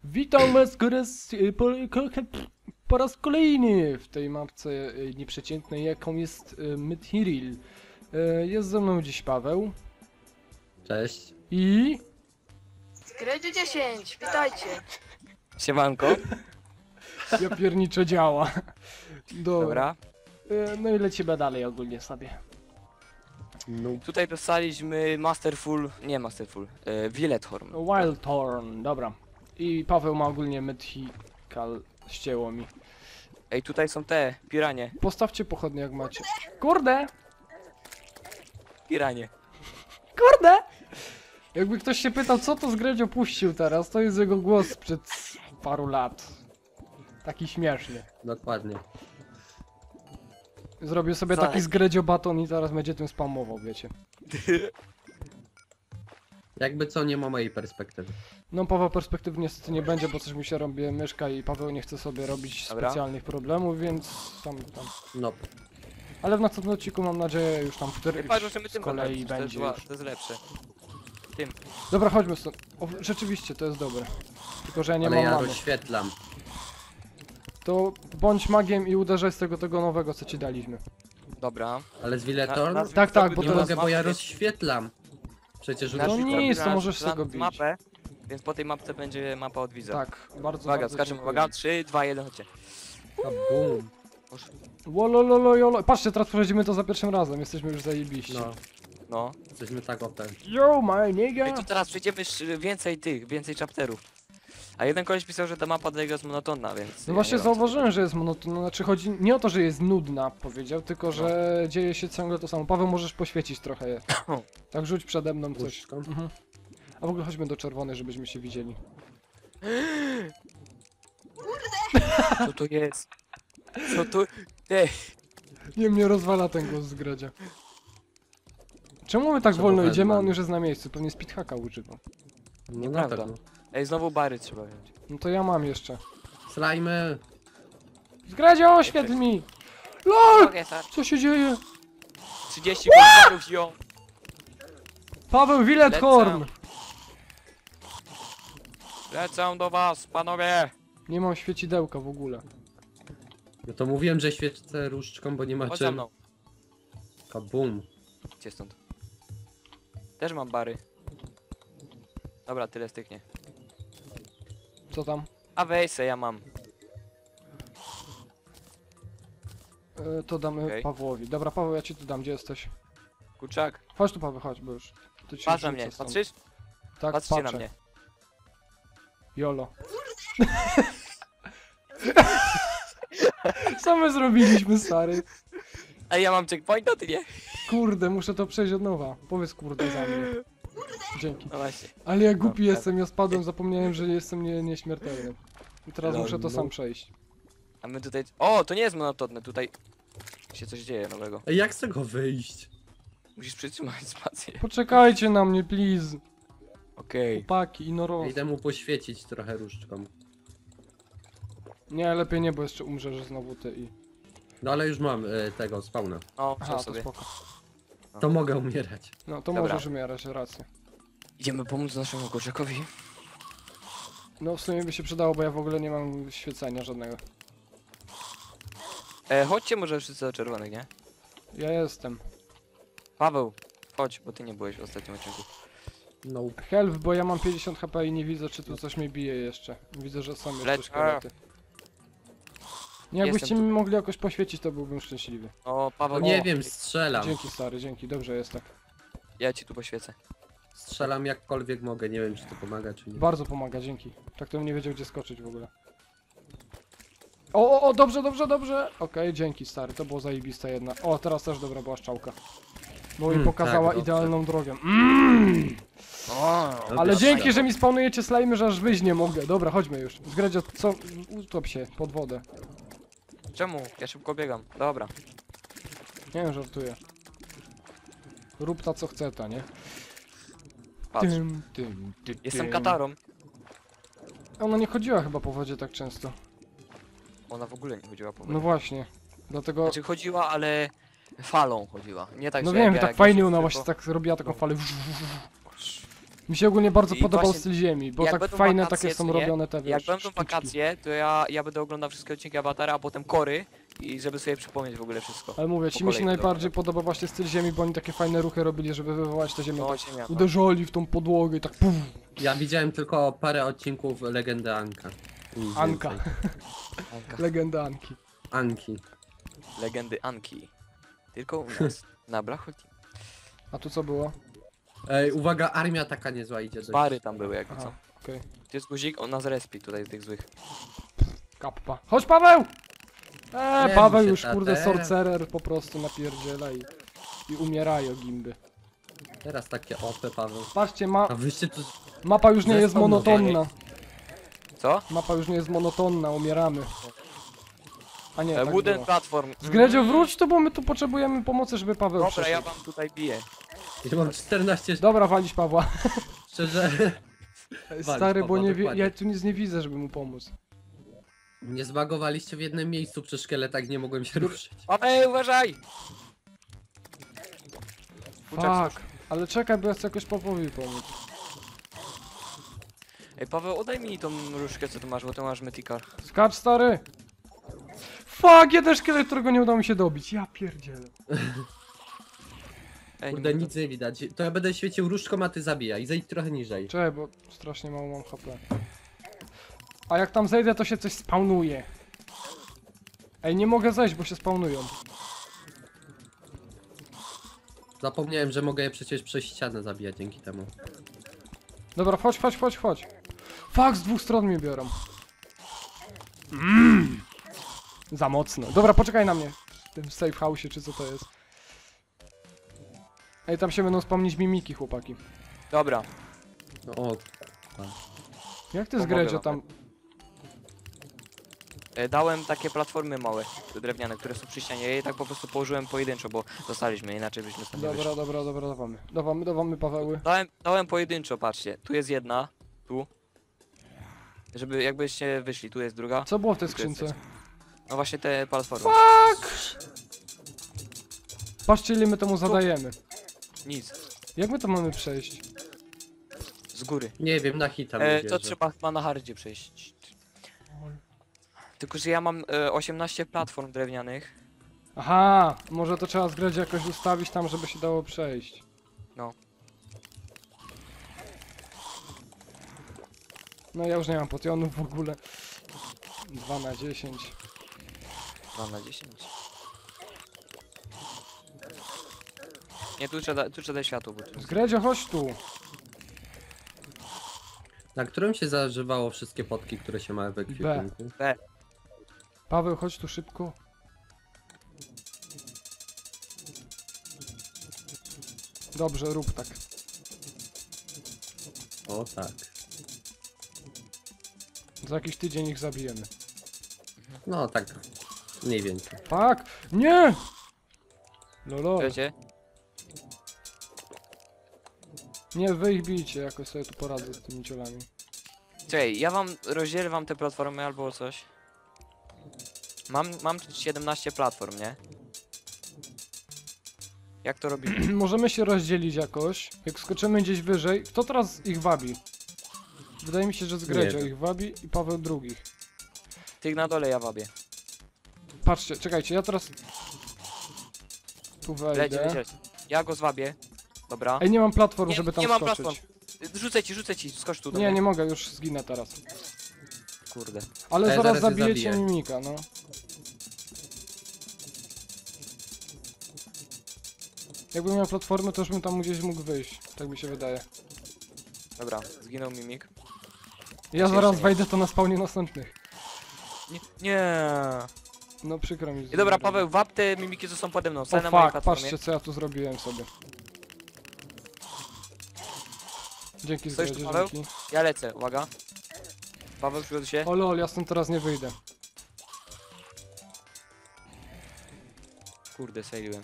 Witam was po raz kolejny w tej mapce nieprzeciętnej, jaką jest Mythiril. Jest ze mną dziś Paweł. Cześć. I... Skredy 10, witajcie. Siemanko. Ja pierniczę działa. Dobra. No i lecimy dalej ogólnie sobie. No, Tutaj dostaliśmy Wildthorn. Wildthorn, dobra. I Paweł ma ogólnie Mythical, ścięło mi. Ej, tutaj są te piranie. Postawcie pochodnie jak macie. Kurde! Piranie. Kurde! Jakby ktoś się pytał, co to Zgredzio puścił teraz, to jest jego głos sprzed paru lat. Taki śmieszny. dokładnie. Zrobię sobie Co? taki Zgredzio baton i zaraz będzie tym spamował, wiecie. Jakby co, nie ma mojej perspektywy. No Paweł perspektywy niestety nie będzie, bo coś mi się robi myszka i Paweł nie chce sobie robić Dobra. specjalnych problemów, więc tam. No, Ale w następnym odcinku mam nadzieję już tam wtedy Patrz, że my z tym kolei to jest, będzie już. to jest lepsze. Tym. Dobra, chodźmy stąd. O, rzeczywiście, to jest dobre. Tylko, że ja nie ale mam ja mamy. rozświetlam. To bądź magiem i uderzaj z tego nowego, co ci daliśmy. Dobra. Ale z Wildthorn? Tak, tak, bo Nie to mogę, jest bo ja rozświetlam. Przecież No nic, to możesz z tego bić. mapę, więc po tej mapce będzie mapa od widza. Tak, bardzo Uwaga, bardzo skaczemy, dziękuję. uwaga, 3, 2, 1, chodźcie. A boom. Wolololo, jolo. Patrzcie, teraz przechodzimy to za pierwszym razem, jesteśmy już zajebiści. No, No. jesteśmy tak OP. Yo, my Ej, nigga! to teraz przejdziemy więcej chapterów. A jeden koleś pisał, że ta mapa dla niego jest monotonna, więc... No ja właśnie nie wiem, zauważyłem, że jest monotonna, znaczy chodzi nie o to, że jest nudna, powiedział, tylko że dzieje się ciągle to samo. Paweł, możesz poświecić trochę je. Tak rzuć przede mną coś. Różdżką? Mhm. A w ogóle chodźmy do czerwonej, żebyśmy się widzieli. Co to jest? Co to... Ej, Nie, mnie rozwala ten głos z Gredzia. Czemu my tak Trzeba wolno idziemy, a on wezwać. już jest na miejscu? Pewnie speedhacka używał. No na Nieprawda. pewno. ej, znowu bary trzeba wziąć. No to ja mam jeszcze. Slajmy! Zgredzio, oświetl mi! LOL! Okej, tak. Co się dzieje? 30 kontarów ją. Paweł Wildthorn! Lecę do was, panowie! Nie mam świecidełka w ogóle. No to mówiłem, że świecę różdżką, bo nie ma Chodź za czym. mną. Kabum. Gdzie stąd? Też mam bary. Dobra, tyle styknie. Co tam? A weź se, ja mam. To damy Okej. Pawłowi. Dobra, Paweł, ja ci tu dam, gdzie jesteś? Kurczak, Chodź tu, Paweł, chodź, bo już. Tu ci patrz na rzucę mnie, stąd. patrzysz? Tak, Patrzcie patrzę. na mnie. Jolo. Co my zrobiliśmy, stary? Ej, ja mam checkpointa, ty nie? Kurde, muszę to przejść od nowa. Powiedz kurde za mnie. Dzięki. No właśnie. Ale ja głupi No, jestem, ja spadłem, zapomniałem, że jestem nieśmiertelny. I teraz No, muszę to no. sam przejść. A my tutaj... O, to nie jest monotonne, tutaj się coś dzieje nowego. Ej, jak z tego wyjść? Musisz przytrzymać spację. Poczekajcie na mnie, please. Okej. Chłopaki, Inoro. Idę mu poświecić trochę różdżką. Nie, lepiej nie, bo jeszcze umrzesz znowu ty i... No ale już mam tego spawna. O, Aha, wziął to sobie. spoko. To mogę umierać. No to Dobra. możesz umierać, rację. Idziemy pomóc naszemu kurczakowi. No w sumie by się przydało, bo ja w ogóle nie mam świecenia żadnego. Chodźcie może wszyscy do czerwonych, nie? Ja jestem. Paweł, chodź, bo ty nie byłeś w ostatnim odcinku. No. Help, bo ja mam 50 HP i nie widzę, czy tu coś mnie bije jeszcze. Widzę, że są jeszcze Lecz- szkielety. Nie, jakbyście Jestem mi mogli jakoś poświecić, to byłbym szczęśliwy. O, Paweł, No nie wiem, strzelam. Dzięki stary, dzięki, dobrze jest tak. ja ci tu poświecę. Strzelam jakkolwiek mogę, nie wiem czy to pomaga czy nie. Bardzo pomaga, dzięki. Tak to bym nie wiedział, gdzie skoczyć w ogóle. O, dobrze, dobrze, dobrze. Okej, dzięki stary, to było zajebiste jedna. O, teraz też dobra była szczałka. Bo mi pokazała tak, dobrze. idealną drogę. O, Ale Dobra, dzięki, fajnie. że mi spawnujecie slajmy, że aż wyjść nie mogę. Dobra, chodźmy już. Zgredzio, co? Utop się pod wodę. czemu? Ja szybko biegam. Dobra. Nie wiem, żartuję. Rób ta co chce ta, nie? Patrz. Jestem tym. katarą. Ona nie chodziła chyba po wodzie tak często. Ona w ogóle nie chodziła po wodzie. No właśnie. Dlatego... Znaczy chodziła, ale falą chodziła. Nie tak, No że wiem, jak tak ja fajnie się ona tylko- właśnie tak robiła taką falę. Mi się ogólnie bardzo I podobał właśnie, styl ziemi, bo jak tak będą fajne wakacje, takie są co nie? robione te, wiesz, Jak będą sztuczki. wakacje, to ja będę oglądał wszystkie odcinki Avatara, a potem Kory i żeby sobie przypomnieć w ogóle wszystko. Ale mówię, Po ci mi się kolei najbardziej podoba właśnie styl ziemi, bo oni takie fajne ruchy robili, żeby wywołać tę ziemię. No, Tak ziemia, no. uderzali w tą podłogę i tak puf, Ja widziałem tylko parę odcinków Legendy Anka. Nic Anka. więcej. Anka. Legenda Anki. Anki. Legendy Anki. Tylko u nas, na Blachoti. A tu co było? Ej, uwaga, armia taka niezła idzie do Bary tam były jakby co. Aha, okej. To jest guzik, on nas respi tutaj z tych złych. Kappa. Chodź Paweł! Nie Paweł bój się, już kurde tater. sorcerer po prostu napierdziela i umierają gimby. Teraz takie OP, Paweł. Patrzcie, A wyście tu... mapa już nie jest Zespół monotonna. Co? Mapa już nie jest monotonna, umieramy. A nie, tak Wooden było. platform. Zgredzio, wróć tu, bo my tu potrzebujemy pomocy, żeby Paweł Dobra, przeszedł. ja wam tutaj biję. Ja mam 14... Dobra, walić Pawła. Szczerze... Stary, bo Pawła, nie dokładnie. ja tu nic nie widzę, żeby mu pomóc. Nie zbagowaliście w jednym miejscu przy szkieletach, nie mogłem się ruszyć. Paweł, uważaj! Kurczak, Fuck. Ale czekaj, bo ja chcę jakoś Pawłowi pomóc. Ej, Paweł, oddaj mi tą różdżkę, co tu masz, bo tu masz Mythical. Skacz, stary! Fuck, jeden szkielet, którego nie udało mi się dobić. Ja pierdzielę. Ej, Kurde, nie nic nie widać. To ja będę świecił różdżką, a ty zabijaj. Zejdź trochę niżej. Czekaj, bo strasznie mało mam HP. A jak tam zejdę, to się coś spawnuje. Ej, nie mogę zejść, bo się spawnują. Zapomniałem, że mogę je przecież przez ścianę zabijać dzięki temu. Dobra, chodź. Fuck, z dwóch stron mnie biorą. Za mocno. Dobra, poczekaj na mnie. W tym safe house, czy co to jest. Ej, tam się będą spawnić mimiki, chłopaki. Dobra. No o, Jak ty Pomogę zgredzio wam. tam... Dałem takie platformy małe, drewniane, które są przy ścianie. Ja je tak po prostu położyłem pojedynczo, bo dostaliśmy, inaczej byśmy stąd nie wyszli. Dobra, dawamy Paweły. Dałem pojedynczo, patrzcie. Tu jest jedna, tu. Żeby jakbyście wyszli, tu jest druga. Co było w tej Tu jest skrzynce? No właśnie te platformy. Patrzcie, ile my temu zadajemy. Nic. Jak my to mamy przejść? Z góry. nie wiem, na hita To trzeba chyba na hardzie przejść. Tylko, że ja mam 18 platform drewnianych. Aha, może to trzeba zgredzio jakoś ustawić tam, żeby się dało przejść. No. No ja już nie mam potionów w ogóle. 2 na 10. 2 na 10. Nie, tu trzeba światło, bo tu... Zgredzio, chodź tu. Na którym się zażywało wszystkie potki, które się ma w ekwipunku? Paweł, chodź tu szybko. Dobrze, rób tak. O tak. Za jakiś tydzień ich zabijemy. No tak. Mniej więcej. Fuck! Nie! Lolo. Wiecie? Nie, wy ich bijcie, jakoś sobie tu poradzę z tymi ciolami. Czekaj, ja wam rozdzielę wam te platformy albo coś. Mam 17 platform, nie? Jak to robimy? Możemy się rozdzielić jakoś. Jak skoczymy gdzieś wyżej. Kto teraz ich wabi? Wydaje mi się, że Zgredzio wiem. ich wabi i Paweł drugich. Tych na dole ja wabię. Patrzcie, czekajcie, ja teraz... Tu Lecie, wejdę. lecie. Ja go zwabię. Dobra. Ej, nie mam platform, Nie- żeby tam nie mam skoczyć. platform. Rzucę ci, skocz tu do Nie, mnie. nie mogę, już zginę teraz. Kurde. Ale Ej, zaraz zaraz je zabijecie zabiję. mimika, no. Jakbym miał platformę, to już bym tam gdzieś mógł wyjść. Tak mi się wydaje. Dobra, zginął mimik. Ja Jeszcze zaraz nie. wejdę to na spawnie następnych. Nie. No przykro mi. I dobra, Paweł, wap te mimiki, co są pode mną. O Stań na mojej fuck, platformie. patrzcie co ja tu zrobiłem sobie. Dzięki Stoisz tu, Zgredzio, Paweł? dzięki. Ja lecę, uwaga. Paweł, przygotuj się. O lol, ja stąd teraz nie wyjdę. Kurde, sejliłem.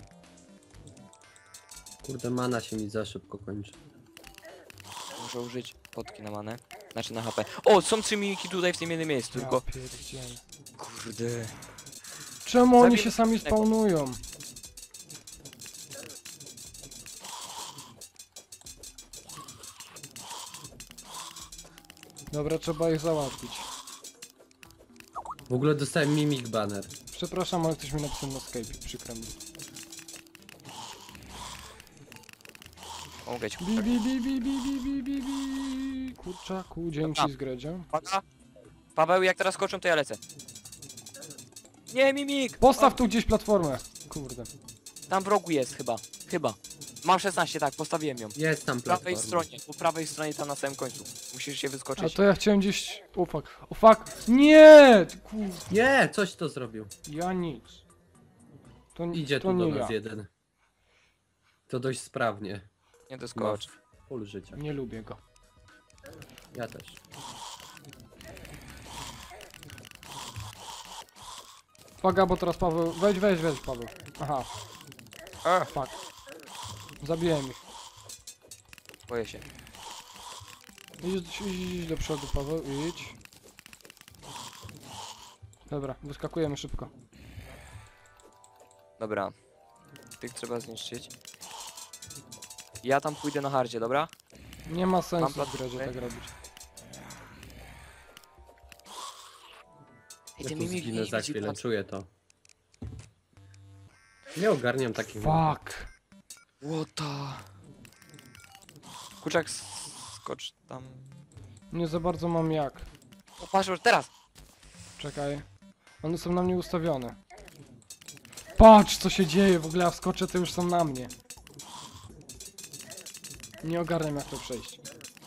Kurde, mana się mi za szybko kończy. Muszę użyć potki na manę. Znaczy na HP. O, są 3 mimiki tutaj w tym jednym miejscu, tylko... Ja pierdzielę. Kurde. Czemu oni Zabij się sami następnego. spawnują? Dobra, trzeba ich załatwić. W ogóle dostałem mimik banner. Przepraszam, ale ktoś mi napisał na Skype, przykro mi. Pomogę ci. Bi, bi, bi, bi, bi, bi, bi, bi, bi. Kurczaku, dzięki Dobra. z Gredzio. Uwaga. Paweł, jak teraz skoczą, to ja lecę. Nie, mimik! Postaw tu gdzieś platformę. Kurde. Tam w rogu jest chyba. Chyba. Mam 16, tak, postawiłem ją. Jest tam Po prawej platforma. stronie, po prawej stronie tam na samym końcu. Musisz się A wyskoczyć. to ja chciałem gdzieś... O fuck. O fuck. Nie! Ty Kurde. Nie, coś to zrobił. Ja nic. To, Idzie to tu do nie nas ja. jeden. To dość sprawnie. Nie doskocz. Full życia. Nie lubię go. Ja też. Uwaga, bo teraz Paweł... Weź, Paweł. Aha. Fuck. Zabiłem ich. Boję się. Idź do przodu, Paweł, idź. Dobra, wyskakujemy szybko. Dobra. Tych trzeba zniszczyć. Ja tam pójdę na hardzie, dobra? Nie ma sensu Mam w grze platformę. tak robić. Ej, Ja ten tu mimik zginę nie za widzi, chwilę, patrz. czuję to. Nie ogarniam takich... Fuck. What the... Kurczak, skocz tam. Nie za bardzo mam jak. O, patrz, już teraz! Czekaj. One są na mnie ustawione. Patrz co się dzieje, w ogóle ja wskoczę, to już są na mnie. Nie ogarniam jak to przejść.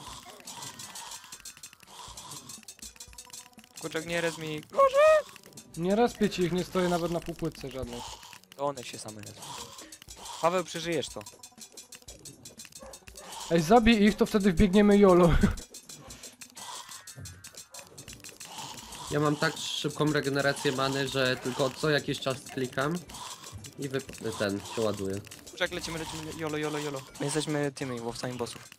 Kurczak, nie rez mi. Nie respię ci ich, nie stoję nawet na półpłytce żadnej. To one się same rezą. Paweł, przeżyjesz to. Ej, zabij ich, to wtedy wbiegniemy YOLO. Ja mam tak szybką regenerację many, że tylko co jakiś czas klikam i ten się ładuje. Kurczak, lecimy, jolo, jolo, jolo. My jesteśmy tymi łowcami bossów.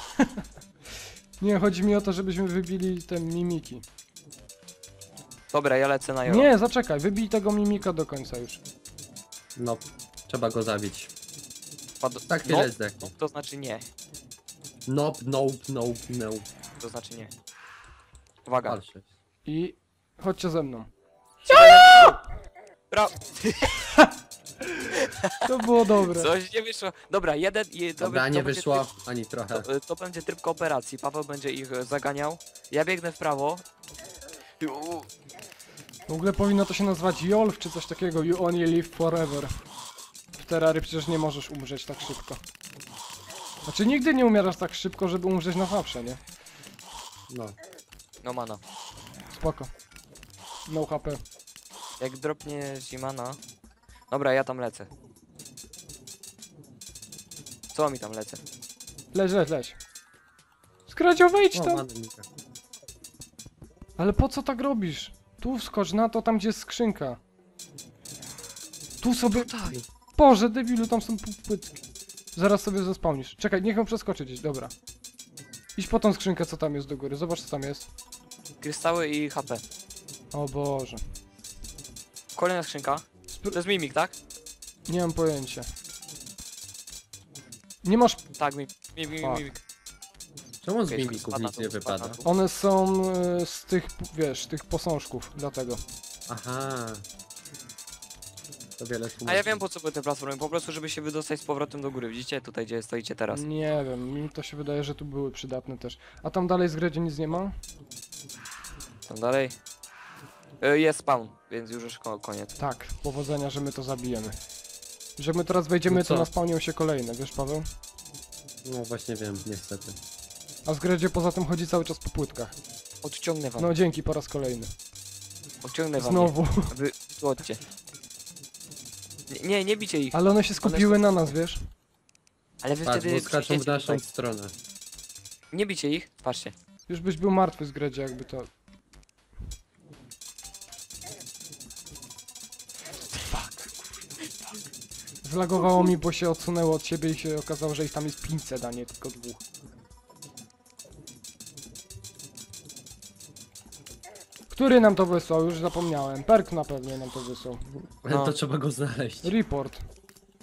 Nie, chodzi mi o to, żebyśmy wybili te mimiki. Dobra, ja lecę na jolo. Nie, zaczekaj, wybij tego mimika do końca już. No, trzeba go zabić. Padł... Tak chwilę no, zdechnie. to znaczy nie. Nope, nope, nope, nope. To znaczy nie. Uwaga. Dalsze. I chodźcie ze mną. Bra... To było dobre. Coś nie wyszło. Dobra, jeden i Dobra, to nie będzie wyszło ani trochę. To będzie tryb kooperacji. Paweł będzie ich zaganiał. Ja biegnę w prawo. W ogóle powinno to się nazywać YOLF czy coś takiego. You only live forever. W Terrarii przecież nie możesz umrzeć tak szybko. Znaczy nigdy nie umierasz tak szybko, żeby umrzeć na zawsze, nie? No. No mana. Spoko. No HP. Jak dropnie Zimana. Dobra, ja tam lecę. Co mi tam lecę? Leź. Skradzio, wejdź O, tam! many nika. Ale po co tak robisz? Tu wskocz na to, tam gdzie jest skrzynka. Tu sobie... Tutaj. Boże, debilu, tam są płytki. Zaraz sobie zespałnisz. Czekaj, niech ją przeskoczy gdzieś, dobra. Idź po tą skrzynkę, co tam jest do góry. Zobacz, co tam jest. Kryształy i HP. O Boże. Kolejna skrzynka. To jest mimik, tak? Nie mam pojęcia. Nie masz... Tak, mimik. Fuck. Czemu z Okej, mimików spadł na nic dół, nie spadł wypada? na dół. One są z tych, wiesz, tych posążków, dlatego. Aha. To wiele A tłumaczy. ja wiem po co były te platformy, po prostu żeby się wydostać z powrotem do góry. Widzicie? Tutaj gdzie stoicie teraz. Nie wiem, mi to się wydaje, że tu były przydatne też. A tam dalej z Gredzie nic nie ma? Tam dalej. Jest spawn, więc już koniec. Tak, powodzenia, że my to zabijemy. Że my teraz wejdziemy, No to co? naspawnią się kolejne, wiesz Paweł? No właśnie wiem, niestety. A z Gredzie poza tym chodzi cały czas po płytkach. Odciągnę wam. No dzięki po raz kolejny. Odciągnę wam. Znowu. Wy złodźcie. Nie bicie ich. Ale one się skupiły są- na nas, wiesz? Ale wy Patrz, wtedy bo skaczą w przyjdziecie naszą tutaj. stronę. Nie bicie ich, patrzcie. Już byś był martwy z Gredzie, jakby to... Zlagowało mi, bo się odsunęło od siebie i się okazało, że ich tam jest 500, a nie tylko 2. Który nam to wysłał? Już zapomniałem. Perk na pewno nam to wysłał. Ale No. to trzeba go znaleźć. Report.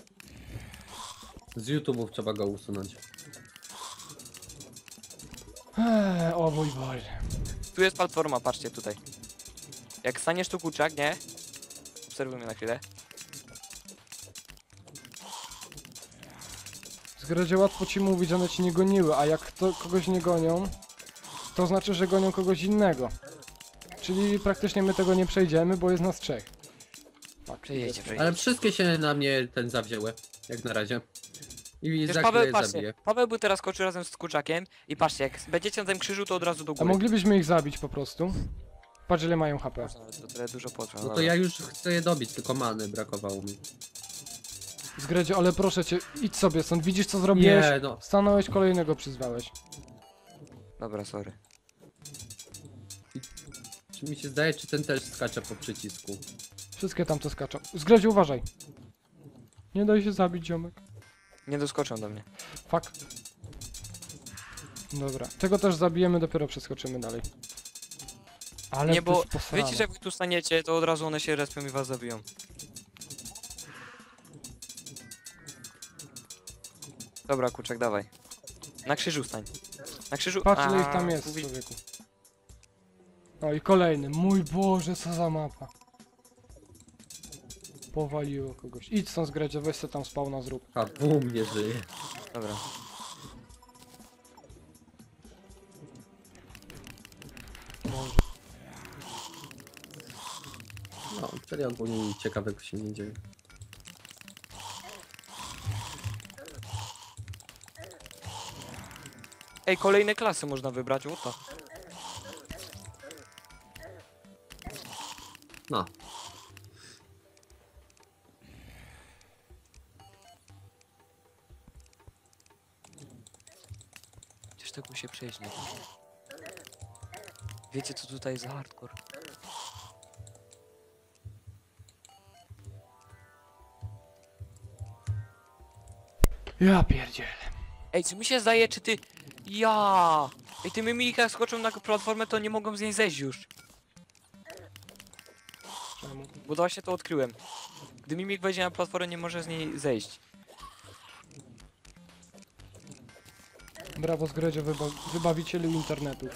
Z YouTube'ów trzeba go usunąć. O mój Boże. Tu jest platforma, patrzcie tutaj. Jak staniesz tu kurczak, nie? Obserwuj mnie na chwilę. Zgradzie łatwo ci mówić, one ci nie goniły, a jak to kogoś nie gonią, to znaczy, że gonią kogoś innego. Czyli praktycznie my tego nie przejdziemy, bo jest nas 3. Tak, Przejedzie, Ale przejedzie. wszystkie się na mnie zawzięły, jak na razie. I Wiesz, za Paweł, chwilę patrzcie, zabiję. Paweł by teraz skoczył razem z kurczakiem i patrzcie, jak będziecie na tym krzyżu, to od razu do A góry. moglibyśmy ich zabić po prostu. Patrz ile mają HP. Można, ale to tyle dużo potrwa. No to ja już chcę je dobić, tylko many brakowało mi. Zgradzie, ale proszę cię, idź sobie stąd, widzisz co zrobiłeś? Nie, no. Stanąłeś, kolejnego przyzwałeś. Dobra, sorry. Czy mi się zdaje, czy ten też skacze po przycisku? Wszystkie tam to skaczą. Zgradzie, uważaj. Nie daj się zabić, ziomek. Nie doskoczą do mnie. Fuck. Dobra, tego też zabijemy, dopiero przeskoczymy dalej. Ale Nie, to bo jest posrane. wiecie, że jak wy tu staniecie, to od razu one się respią i was zabiją. Dobra, kurczak, dawaj. Na krzyżu stań. Na krzyżu... Patrz ile ich A, tam jest, mówi- człowieku. O i kolejny. Mój Boże, co za mapa. Powaliło kogoś. Idź stąd, Zgradzie, weź se tam spawna zrób. A bum, nie żyje. Dobra. Boże. No, wtedy ogólnie nic ciekawego się nie dzieje. Ej, kolejne klasy można wybrać, o to. No. Przecież tego się przejść nie da. Wiecie co tutaj jest za hardcore? Ja pierdzielę. Ej, czy mi się zdaje, czy ty... Ja! Ej, ty mimik jak skoczą na platformę, to nie mogą z niej zejść już. Czemu? Bo właśnie to odkryłem. Gdy mimik wejdzie na platformę, nie może z niej zejść. Brawo, Zgradzie, wybawicielu internetu.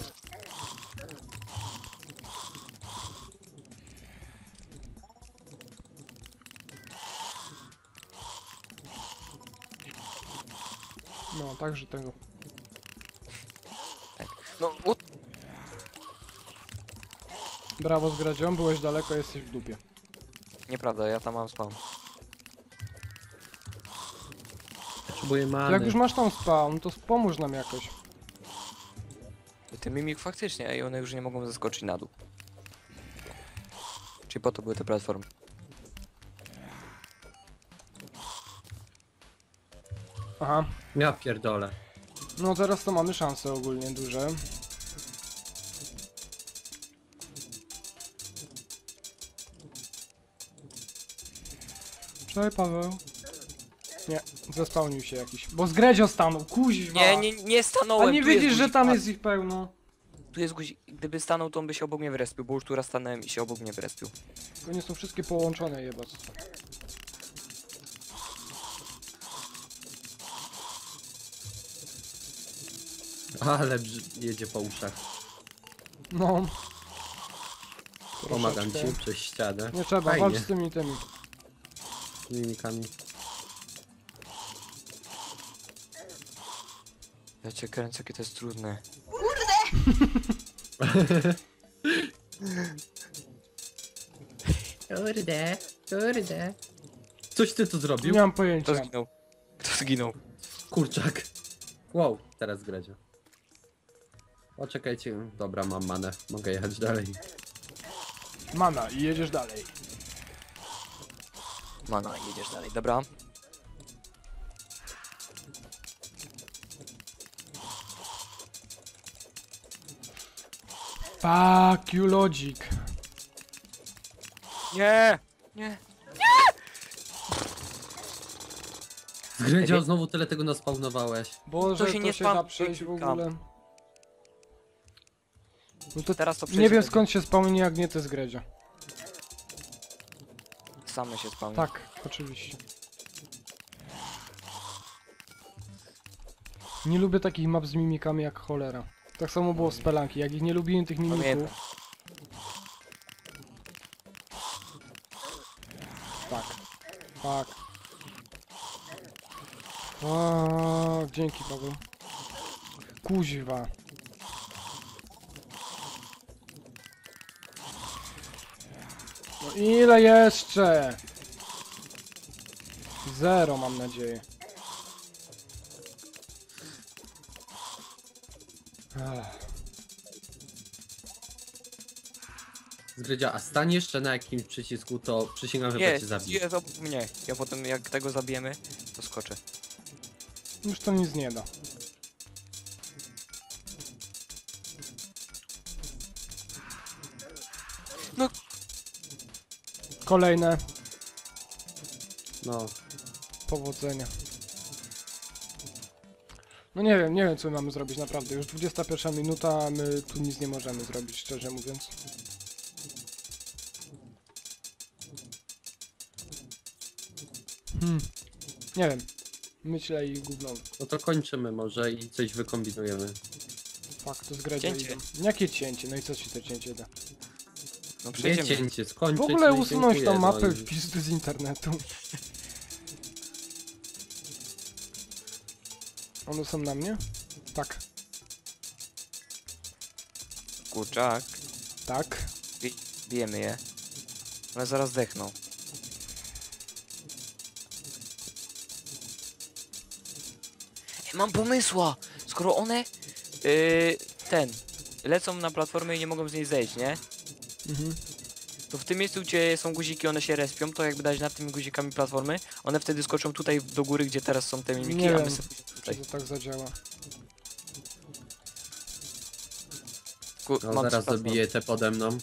No, także tego. No, o... Brawo, Zgradzią, byłeś daleko, jesteś w dupie. Nieprawda, ja tam mam spawn. Potrzebuję many. Jak już masz tam spawn, to pomóż nam jakoś. Ten mimik faktycznie, ej, one już nie mogą zeskoczyć na dół. Czyli po to były te platformy. Aha. Ja pierdolę. No teraz to mamy szanse ogólnie duże. Cześć, Paweł. Nie, zespałnił się jakiś. Bo Zgredzio stanął, kuźwa! Nie stanąłem. A nie tu jest widzisz, że guzik, tam patrz. jest ich pełno? Tu jest guzik. Gdyby stanął, to on by się obok mnie wyrespił, bo już tu raz stanąłem i się obok mnie wyrespił. To nie są wszystkie połączone, jebać. Ale jedzie po uszach. No. Pomagam Troszeczkę. ci przez ścianę. Nie trzeba, Fajnie. walcz z tymi. Z mimikami. Ja cię kręcę, jakie to jest trudne. Kurde, kurde. Coś ty tu zrobił? Nie mam pojęcia. Kto zginął? Kto zginął? Kurczak. Wow, teraz Gredzio. Poczekajcie, dobra, mam manę. Mogę jechać dalej. Mana i jedziesz dalej. Mana, jedziesz dalej, dobra. Fuck you, logic. Nie! Nie! Gredzio, Ej, znowu tyle tego naspawnowałeś. Boże, To się nie da spam- przejść w Kam. ogóle. No to Teraz to nie przejdzie wiem będzie. skąd się spełni, jak nie ty z Gredzio. Same się spawnią. Tak, oczywiście. Nie lubię takich map z mimikami jak cholera. Tak samo było w Spelanki, jak ich nie lubiłem tych Pamiętam. mimików. Tak. Tak. O, dzięki Paweł. Kuźwa. No ile jeszcze? 0 mam nadzieję. Ech. Zgrydzia, a stań jeszcze na jakimś przycisku, to przysięgam, że Nie, cię zabiję. jest obok mnie. Ja potem jak tego zabijemy, to skoczę. Już to nic nie da. No. Kolejne. No, Powodzenia. No nie wiem co my mamy zrobić naprawdę. Już 21 minuta, a my tu nic nie możemy zrobić, szczerze mówiąc. Nie wiem. Myślę i gówno. no to kończymy może i coś wykombinujemy. Fakt, to zgradzia Cięcie. idą. Jakie cięcie? No i co ci to cięcie da? No Nie przejdziemy. cięcie, skończyć. W ogóle no i usunąć dziękuję, tą mapę no i- w pizdy z internetu. One są na mnie? Tak. Kurczak. Tak. Bijemy je. One zaraz zdechną. Mam pomysła! Skoro one lecą na platformę i nie mogą z niej zejść, nie? Mhm. To w tym miejscu, gdzie są guziki, one się respią, to jakby dać nad tymi guzikami platformy, one wtedy skoczą tutaj do góry, gdzie teraz są te mimiki, Nie a wiem, my sobie Czy tutaj. to tak zadziała? No, Mam zaraz platformę. dobiję te pode mną.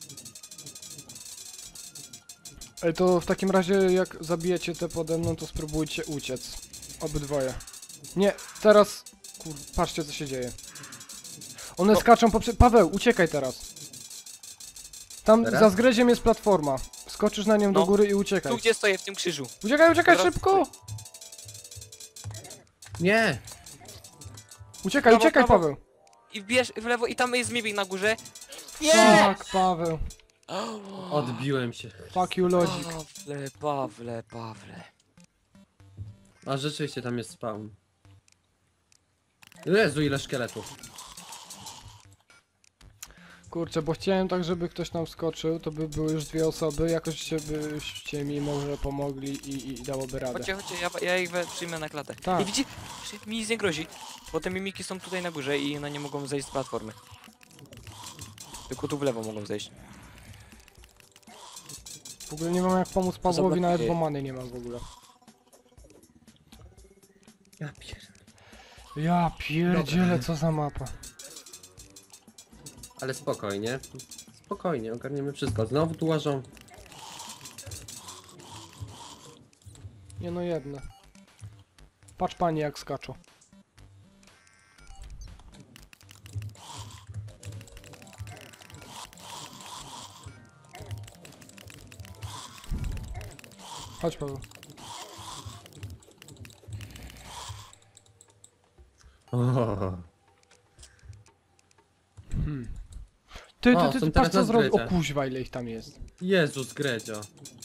Ej, to w takim razie jak zabijecie te pode mną, to spróbujcie uciec. Obydwoje. Nie, teraz... Kur... Patrzcie co się dzieje. One No. skaczą poprzez... Paweł, uciekaj teraz. Tam Teraz? za zgredziem jest platforma. Skoczysz na nią do No. góry i uciekaj. Tu gdzie stoję, w tym krzyżu. Uciekaj, Teraz- szybko! Nie! Uciekaj, Prawo, uciekaj, prawo. Paweł! I wbierz w lewo i tam jest mimik na górze. Tak, Paweł. Odbiłem się. Fuck you, Lodzik. Pawle. A rzeczywiście tam jest spawn. Jezu, ile szkieletów. Kurczę, bo chciałem tak, żeby ktoś tam wskoczył, to by były już 2 osoby, jakoś się byście mi może pomogli i dałoby radę. Chodźcie, ja ich przyjmę na klatę. Tak. I widzi, mi nic nie grozi, bo te mimiki są tutaj na górze i one nie mogą zejść z platformy. Tylko tu w lewo mogą zejść. W ogóle nie mam jak pomóc Pawłowi, nawet zablokuje. bo many nie mam w ogóle. Ja pierdolę. Ja pierdzielę, co za mapa. Ale spokojnie. Spokojnie, ogarniemy wszystko. Znowu tu łażą. Nie no jedne. Patrz panie jak skaczą. Chodź Paweł. O, Ty, O, są patrz teraz co na zrobił. O zgrycie. kuźwa ile ich tam jest. Jezus, Gredzio.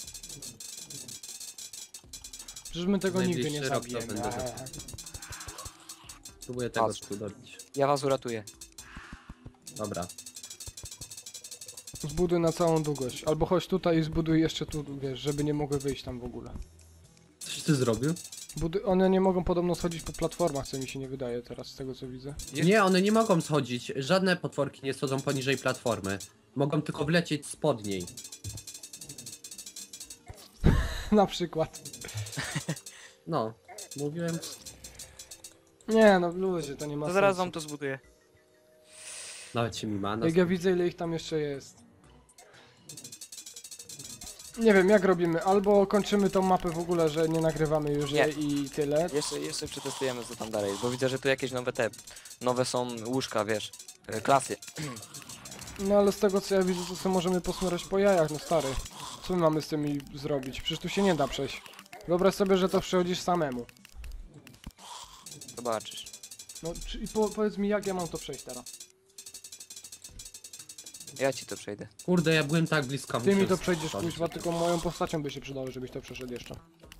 Przecież my tego nigdy nie Najbliższy rok to zabijemy. będę Próbuję tego Patrz. tu dobić. Ja was uratuję. Dobra. Zbuduj na całą długość. Albo chodź tutaj i zbuduj jeszcze tu, wiesz, żeby nie mogły wyjść tam w ogóle. Coś ty zrobił? One nie mogą podobno schodzić po platformach, co mi się nie wydaje teraz, z tego co widzę. Nie, one nie mogą schodzić. Żadne potworki nie schodzą poniżej platformy. Mogą tylko wlecieć spod niej. Na przykład. No, mówiłem. Nie no, ludzie, to nie ma To sensu. zaraz wam to zbuduję. Nawet się mi ma. Jak ja widzę ile ich tam jeszcze jest. Nie wiem, jak robimy? Albo kończymy tą mapę w ogóle, że nie nagrywamy już Nie. jej i tyle. Jeszcze przetestujemy co tam dalej, bo widzę, że tu jakieś nowe są łóżka, wiesz, klasy. No ale z tego co ja widzę, to sobie możemy posmurać po jajach, no stary. Co my mamy z tymi zrobić? Przecież tu się nie da przejść. Wyobraź sobie, że to przechodzisz samemu. Zobaczysz. No i powiedz mi jak ja mam to przejść teraz. Ja ci to przejdę. Kurde, ja byłem tak blisko. Ty mi muszę to przejdziesz, spadć. kuźwa, tylko moją postacią by się przydało, żebyś to przeszedł jeszcze.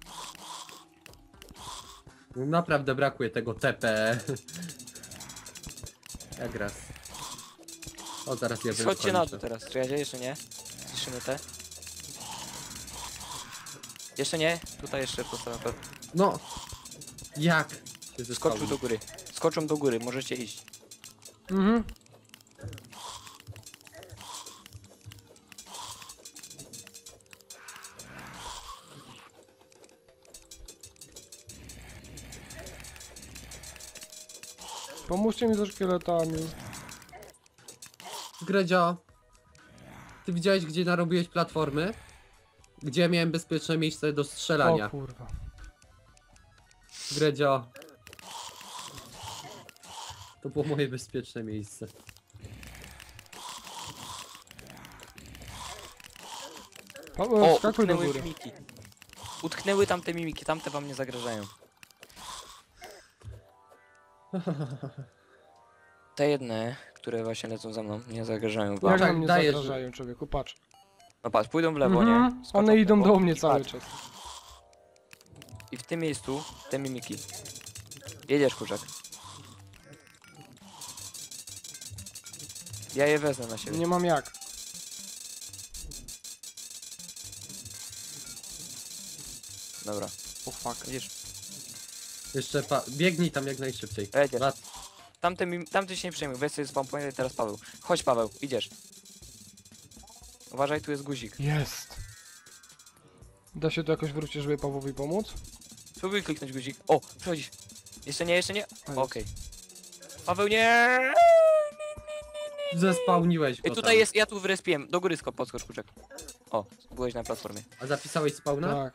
Naprawdę brakuje tego TP. Jak raz. O, zaraz ja Schodźcie na dół teraz. Czy ja jeszcze nie? Zniszczymy te. Jeszcze nie? Tutaj jeszcze postawię. No! Jak? Się Skoczył zespałnił. do góry. Skoczą do góry, możecie iść. Mhm. Pomóżcie mi ze szkieletami. Gredzio, ty widziałeś, gdzie narobiłeś platformy? Gdzie miałem bezpieczne miejsce do strzelania? O kurwa. Gredzio. To było moje bezpieczne miejsce. O, Skakuj do utknęły góry. mimiki. Utknęły tamte mimiki, tamte wam nie zagrażają. Te jedne, które właśnie lecą za mną, nie zagrażają wam. Jak tak, nam nie dajesz, zagrażają, człowieku, patrz. No patrz, pójdą w lewo, Mhm. nie? Skoczą One w idą lewo do mnie i cały patrz. czas. I w tym miejscu, te mimiki. Jedziesz, kurczak. Ja je wezmę na siebie. Nie mam jak. Dobra, O fuck. widzisz? Jeszcze biegnij tam jak najszybciej. Jedziesz. Lat- Tamty się nie przejmuj, weź sobie spam point, teraz Paweł. Chodź Paweł, idziesz. Uważaj, tu jest guzik. Jest. Da się to jakoś wrócić, żeby Pawłowi pomóc? Spróbuj kliknąć guzik. O, przechodzisz. Jeszcze nie, jeszcze nie. A, Okej. Paweł, nie! Zespałniłeś go I tutaj tam. jest, ja tu wyrespiłem. Do góry podskocz, kurczak. O, byłeś na platformie. A zapisałeś spawna? Tak.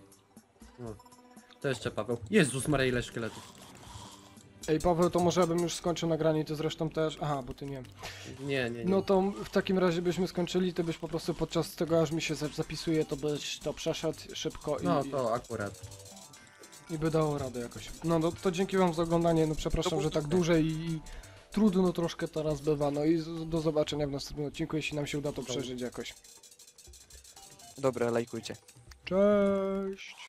To jeszcze Paweł. Jezus Maria, ile szkieletów. Ej Paweł, to może ja bym już skończył nagranie i ty zresztą też. Aha, bo ty nie. Nie. No to w takim razie byśmy skończyli, ty byś po prostu podczas tego, aż mi się zapisuje, to byś to przeszedł szybko No to akurat. i by dało radę jakoś. No to dzięki wam za oglądanie, no przepraszam, było że tak trudne. dłużej i trudno troszkę teraz bywa, no i do zobaczenia w następnym odcinku, jeśli nam się uda to przeżyć jakoś. Dobra, lajkujcie. Cześć!